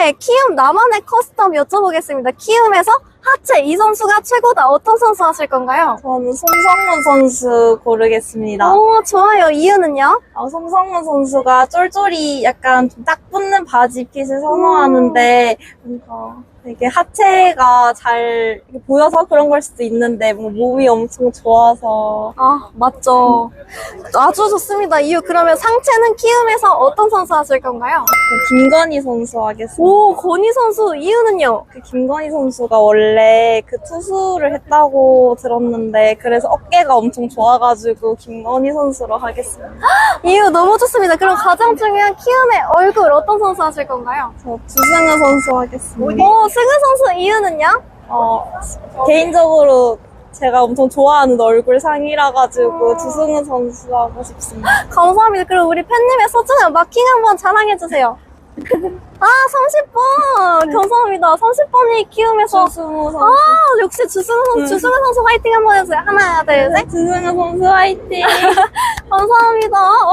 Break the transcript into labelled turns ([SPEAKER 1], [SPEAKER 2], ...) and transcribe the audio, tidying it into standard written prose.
[SPEAKER 1] 이제 키움 나만의 커스텀 여쭤보겠습니다. 키움에서 하체 이 선수가 최고다. 어떤 선수 하실 건가요?
[SPEAKER 2] 저는 송성문 선수 고르겠습니다.
[SPEAKER 1] 오, 좋아요. 이유는요?
[SPEAKER 2] 송성문 선수가 쫄쫄이 약간 좀 딱 붙는 바지 핏을 선호하는데 뭔가 되게 하체가 잘 보여서 그런 걸 수도 있는데 뭐 몸이 엄청 좋아서
[SPEAKER 1] 아, 맞죠. 아주 좋습니다. 이유 그러면 상체는 키움에서 어떤 선수 하실 건가요?
[SPEAKER 2] 김건희 선수 하겠습니다.
[SPEAKER 1] 오, 건희 선수 이유는요?
[SPEAKER 2] 김건희 선수가 원래 그 투수를 했다고 들었는데 그래서 어깨가 엄청 좋아가지고 김건희 선수로 하겠습니다.
[SPEAKER 1] 이유 너무 좋습니다. 그럼 가장 중요한 키움의 얼굴 어떤 선수 하실 건가요?
[SPEAKER 2] 저 주승우 선수 하겠습니다.
[SPEAKER 1] 오, 승우 선수 이유는요?
[SPEAKER 2] 개인적으로 제가 엄청 좋아하는 얼굴 상이라 가지고 주승우 선수 하고 싶습니다.
[SPEAKER 1] 감사합니다. 그럼 우리 팬님의 소중한 마킹 한번 자랑해주세요. 아, 30번! 감사합니다. 30번이 키움에서.
[SPEAKER 2] 주승우 선수.
[SPEAKER 1] 아, 역시 주승우 선수, 주승우 선수 화이팅 한번 해주세요. 하나, 둘, 셋.
[SPEAKER 2] 주승우 선수 화이팅!
[SPEAKER 1] 감사합니다.